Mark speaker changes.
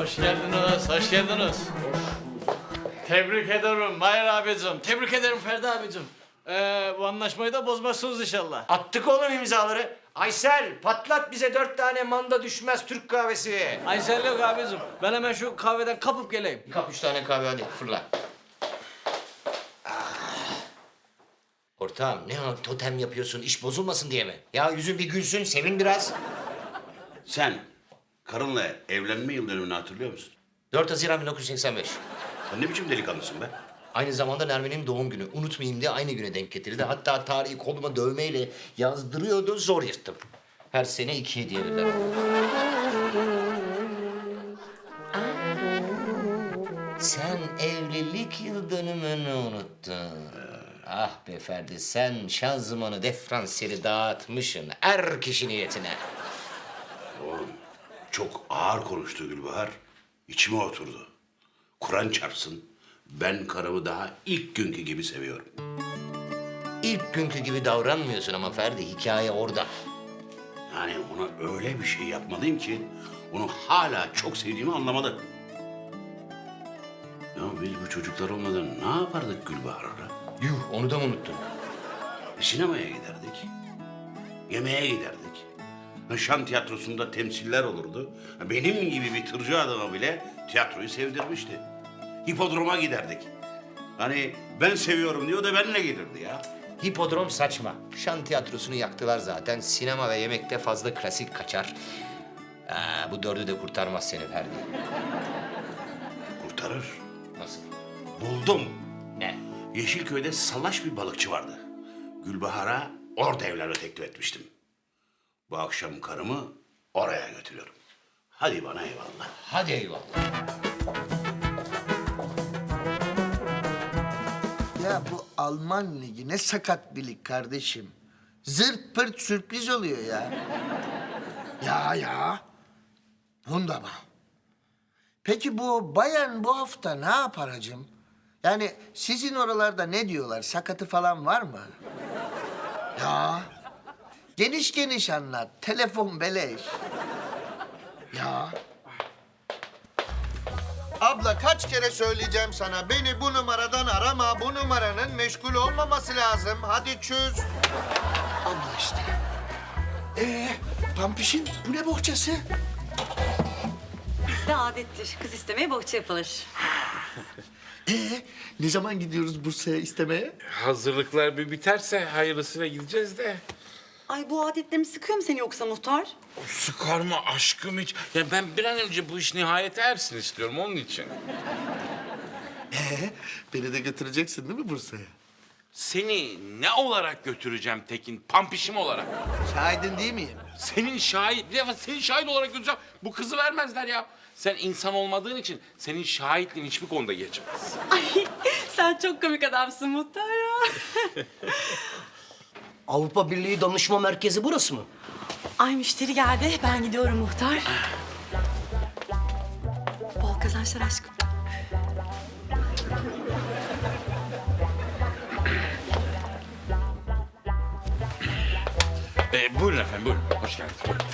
Speaker 1: Hoş geldiniz, hoş geldiniz. Tebrik ederim Mahir abicim, tebrik ederim Ferdi abicim. Bu anlaşmayı da bozmazsınız inşallah.
Speaker 2: Attık oğlum imzaları. Aysel patlat bize 4 tane manda düşmez Türk kahvesi.
Speaker 1: Aysel yok abicim, ben hemen şu kahveden kapıp geleyim.
Speaker 2: Kap 3 tane kahve hadi fırla. Ortağım ne o totem yapıyorsun iş bozulmasın diye mi? Ya yüzün bir gülsün sevin biraz.
Speaker 3: Sen karınla evlenme yıl dönümünü hatırlıyor musun?
Speaker 2: 4 Haziran 1985.
Speaker 3: Sen ne biçim delikanlısın be?
Speaker 2: Aynı zamanda Nermin'in doğum günü. Unutmayayım diye aynı güne denk getirdi. Hatta tarihi koluma dövmeyle yazdırıyordu. Zor yırttım. Her sene 2 hediye verirler. Sen evlilik yıl dönümünü unuttun. Ah be Ferdi, sen şanzımanı diferansiyeli dağıtmışsın. Er kişi niyetine.
Speaker 3: Oğlum çok ağır konuştu Gülbahar. İçime oturdu. Kur'an çarpsın. Ben karımı daha ilk günkü gibi seviyorum.
Speaker 2: İlk günkü gibi davranmıyorsun ama Ferdi, hikaye orada.
Speaker 3: Yani ona öyle bir şey yapmalıyım ki onu hala çok sevdiğimi anlamadı. Ya biz bu çocuklar olmadan ne yapardık Gülbahar'la?
Speaker 2: Yuh, onu da mı unuttun?
Speaker 3: Sinemaya giderdik. Yemeğe giderdik. Şan tiyatrosunda temsiller olurdu. Benim gibi bir tırcı adama bile tiyatroyu sevdirmişti. Hipodroma giderdik. Hani ben seviyorum diyor da benimle gelirdi ya.
Speaker 2: Hipodrom saçma. Şan tiyatrosunu yaktılar zaten. Sinema ve yemekte fazla klasik kaçar. Bu dördü de kurtarmaz seni Ferdi.
Speaker 3: Kurtarır.
Speaker 2: Nasıl?
Speaker 3: Buldum.
Speaker 2: Ne?
Speaker 3: Yeşilköy'de salaş bir balıkçı vardı. Gülbahar'a orada evlenme teklif etmiştim. Bu akşam karımı oraya götürüyorum. Hadi bana eyvallah.
Speaker 2: Hadi eyvallah.
Speaker 4: Ya bu Alman ligi ne sakat bir lig kardeşim. Zırt pırt sürpriz oluyor ya. Ya. Wunderbar. Peki bu Bayern bu hafta ne yapar hacım? Yani sizin oralarda ne diyorlar? Sakatı falan var mı? Ya. Geniş geniş anlat. Telefon beleş. Ya. Abla kaç kere söyleyeceğim sana. Beni bu numaradan arama. Bu numaranın meşgul olmaması lazım. Hadi çöz. Abla işte. Pampişin bu ne bohçası?
Speaker 5: Bizde adettir. Kız istemeye bohça yapılır.
Speaker 4: Ne zaman gidiyoruz Bursa'ya istemeye?
Speaker 6: Hazırlıklar bir biterse hayırlısıyla gideceğiz de.
Speaker 5: Ay bu adetlerimi sıkıyor mu seni yoksa muhtar?
Speaker 6: Sıkar mı aşkım hiç? Ya ben bir an önce bu iş nihayete ersin istiyorum onun için.
Speaker 4: Beni de götüreceksin değil mi Bursa'ya?
Speaker 6: Seni ne olarak götüreceğim Tekin? Pampişim olarak.
Speaker 4: Şahidin değil miyim?
Speaker 6: Senin şahit, bir defa senin şahit olarak götüreceğim. Bu kızı vermezler ya. Sen insan olmadığın için senin şahitliğin hiçbir konuda geçmez.
Speaker 5: Ay sen çok komik adamsın muhtar ya.
Speaker 7: Avrupa Birliği Danışma Merkezi burası mı?
Speaker 5: Ay müşteri geldi. Ben gidiyorum muhtar. Bol kazançlar aşkım.
Speaker 6: Buyurun efendim, buyurun. Hoş geldiniz. Buyurun.